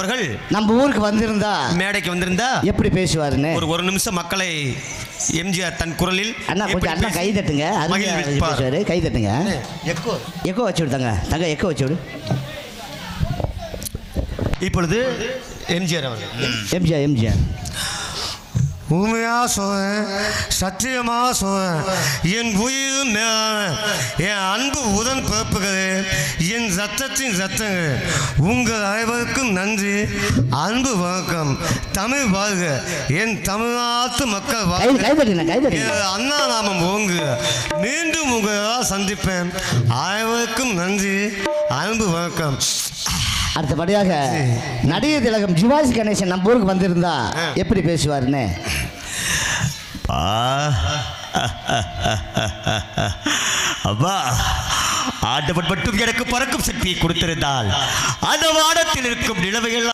அவர்கள் நம்ம ஊருக்கு வந்திருந்தா, மேடைக்கு வந்திருந்தா எப்படி பேசுவாருன்னு ஒரு நிமிஷம் மக்களை எம்ஜிஆர் தன் குரலில் அண்ணா கொஞ்சம் அண்ணா கை தட்டுங்க. பேசுவாரு, கை தட்டுங்க. எக்கோ வச்சு விடுதாங்க தங்க, எக்கோ வச்சு விடு. இப்பொழுது எம்ஜிஆர் அவர்கள் எம்ஜிஆர் உண்மையா சொல்றேன், சத்தியமா சொல்றேன், என் உயிர் மேலான என் அன்பு உடன் பிறப்புகளே, என் ரத்தத்தின் ரத்தங்கள், உங்கள் அனைவருக்கும் நன்றி, அன்பு வணக்கம். தமிழ் வாழ்க, என் தமிழ்நாட்டு மக்கள் வாழ்க, அண்ணா நாமம் ஓங்கு. மீண்டும் உங்களால் சந்திப்பேன். அனைவருக்கும் நன்றி, அன்பு வணக்கம். அடுத்தபடியாக நடிகர் திலகம் சிவாஜி கணேசன் நம்ம ஊருக்கு வந்திருந்தா எப்படி பேசுவாருன்னு. அப்பா, ஆண்டவன் மட்டும் எனக்கு பறக்கும் சக்தியை கொடுத்திருந்தால் அந்த வானத்தில் இருக்கும் நிலவைகள்